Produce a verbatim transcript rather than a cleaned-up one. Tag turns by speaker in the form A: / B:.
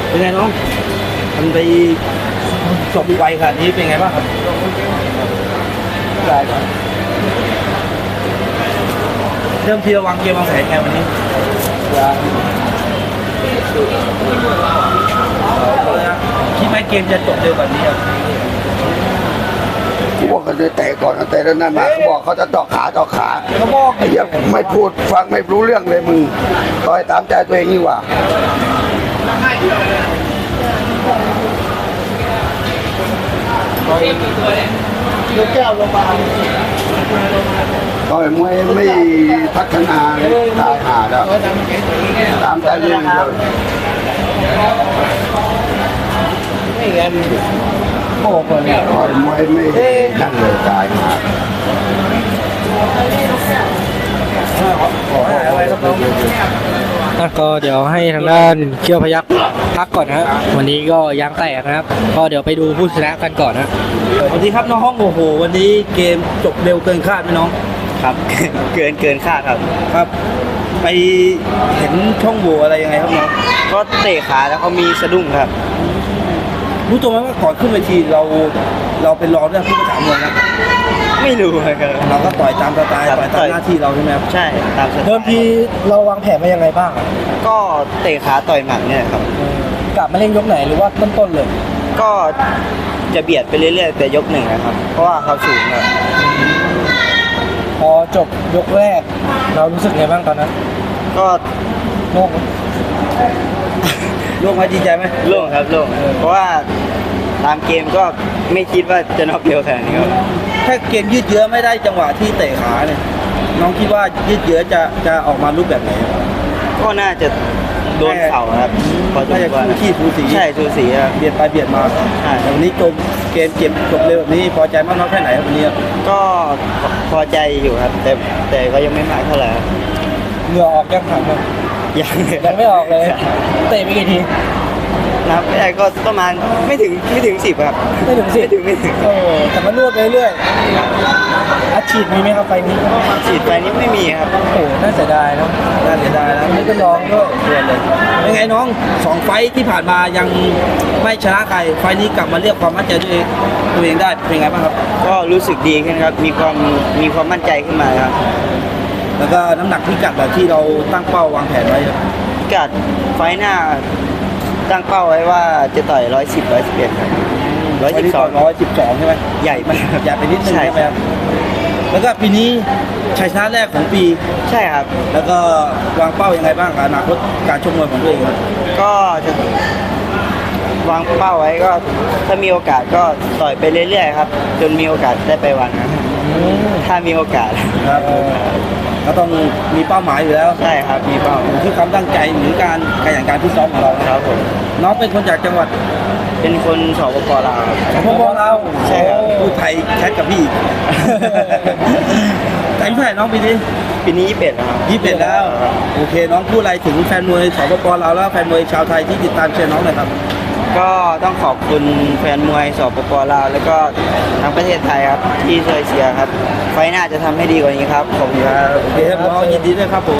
A: เป็นไงน้องมันไปจบไวขนาดนี้เป็นไงบ้างครับได้ครับเริ่มที่เราวางเกมวางแผนไงวันนี้คิดไหมเกมจะจบเร็วกว่านี้ครับ
B: กูบอกกันเลยเตะก่อนเตะแล้วนั่นมาเขาบอกเขาจะต่อขาต่อขา
A: เขาบอก
B: ไอ้เหี้ยไม่พูดฟังไม่รู้เรื่องเลยมึงต่อยตามใจตัวเองนี่หว่าลูกแก้วลงมาต่อยมวยไม่พัฒนาเลยตายหาแล้วตามใจตัวเองเลย
A: ไม่งั้นโอ้โหเนี่ย
B: ต่อยมวยไม่นั่นเลยตายหา
A: อะไรครับน้อง
C: อ่ะก็เดี๋ยวให้ทางด้านเขี้ยวพยักพักก่อนนะฮะวันนี้ก็ยางแตกนะครับก็เดี๋ยวไปดูผู้ชนะกันก่อนนะ
A: สวัสดีครับน้องห้องโอ้โหวันนี้เกมจบเร็วเกินคาดไหมน้อง
D: ครับ เกินเกินคาดครับ
A: ครับ ไปเห็นช่องโหว่อะไรยังไงครับน้อง
D: ก็เตะขาแล้วเขามีสะดุ้งครับ
A: รู้ตัวไหมว่าก่อนขึ้นเวทีเราเราเป็นรองเรื่องผู้ประถามมวยนะ
D: ไม่รู้ครับ
A: เราก็ต่อยตามสไตล์
D: ครับ
A: ต่อยตามหน้าที่เราใช่ไหมครับ
D: ใช่ตามสไตล์
C: เริ่มทีเราวางแผนมายังไงบ้าง
D: ก็เตะขาต่อยหมัดเนี่ยครับ
C: กลับมาเล่นยกไหนหรือว่าต้นๆเลย
D: ก็จะเบียดไปเรื่อยๆแต่ยกหนึ่งนะครับ เพราะว่าเขาสูงครับ
C: พอจบยกแรก เรารู้สึกไงบ้างตอนนั้น
D: ก็
C: โล่ง
A: โล่งไหมดีใจไหม
D: โล่งครับโล่งเพราะว่าตามเกมก็ไม่คิดว่าจะน็อกเร็วขนาดนี้ครับ
A: ถ้าเกมยืดเยื้อไม่ได้จังหวะที่เตะขาเนี่ยน้องคิดว่ายืดเยื้อจะจะออกมารูปแบบไหน
D: ก็น่าจะโดนเข่าครับพอสม
A: น่าจะ
D: ควร
A: คู่ขี้สูสี
D: ใช่สูสีครับ
A: เบียดไปเบียดมา
D: ใช่
A: แต่วันนี้จบเกมเกมจบเร็วแบบนี้พอใจมากน้อยแค่ไหนครับวันนี้
D: ก็พอใจอยู่ครับ แต่แต่ก็ยังไม่มากเท่าไหร่ครับ
C: เหงื่อออกยังถังเลย
D: ยัง
C: ยังไม่ออกเลยเตะไปกี่ที
D: นับไม่ได้ก็ประมาณไม่ถึงไม่ถึงสิบครับ
C: ไม่ถึงสิ
D: ไม่ถึงไม่ถึง
C: โอ้แต่มันนวดไปเรื่อยๆอาชีพมีไหมครับไฟนี้
D: ฉีดไปนี้ไม่มีครับ
C: โอ้น่าเสียดายเนาะ
A: น่าเสียดายนะ
C: ไม่เป็นรองด้วย
A: เดือนเลยเป็นไงน้องสองไฟท์ที่ผ่านมายังไม่ชนะใครไฟท์นี้กลับมาเรียกความมั่นใจตัวเองตัวเองได้เป็นไงบ้างครับ
D: ก็รู้สึกดีขึ้นครับ มีความมีความมั่นใจขึ้นมาครับ
A: แล้วก็น้ำหนักพิกัดแบบที่เราตั้งเป้าวางแผนไว้ครับ
D: พิกัดไฟล์หน้าตั้งเป้าไว้ว่าจะต่อยร้อยสิบร้อยสิบเอ็ดครับร้อยสิบสอง
A: ร้อยสิบสองใช่ไหม
D: ใหญ่มากครับ
A: ใหญ่ไปนิดนึง
D: ใช่
A: ใช่ไหมครับแล้วก็ปีนี้ชัยชนะแรกของปี
D: ใช่ครับ
A: แล้วก็วางเป้ายังไงบ้างกับอนาคตการชกมวยของตัวเองครับ
D: ก็จะวางเป้าไว้ก็ถ้ามีโอกาสก็ต่อยไปเรื่อยๆครับ จนมีโอกาสได้ไปวันครับถ้ามีโอกาส
A: ครับก็ต้องมีเป้าหมายอยู่แล้ว
D: ใช่ครับมีเป้า
A: อยู่ที่ความตั้งใจหรือการขยันการพิซ้อมของเรานะครับ
D: ผม
A: น้องเป็นคนจากจังหวัด
D: เป็นคนสปปลาวครับ
A: สปปลาว
D: ใช่ครับ
A: พูดไทยแคทกับพี่ อีก อายุเท่าไหร่น้องปีนี้
D: ปีนี้ยี่สิบเอ็ดแล้วครับ
A: ยี่สิบเอ็ดแล้วโอเค น้องพูดอะไรถึงแฟนมวยสปปลาวแล้วแฟนมวยชาวไทยที่ติดตามเชียร์น้องหน่อยครับ
D: ก็ต้องขอบคุณแฟนมวยสปปลาวแล้วก็ทั้งประเทศไทยครับที่ช่วยเชียร์ครับ ไฟหน้าจะทำให้ดีกว่านี้ครับขอบคุณครับ
A: โอเคครับน้องยินดีด้วยครับผม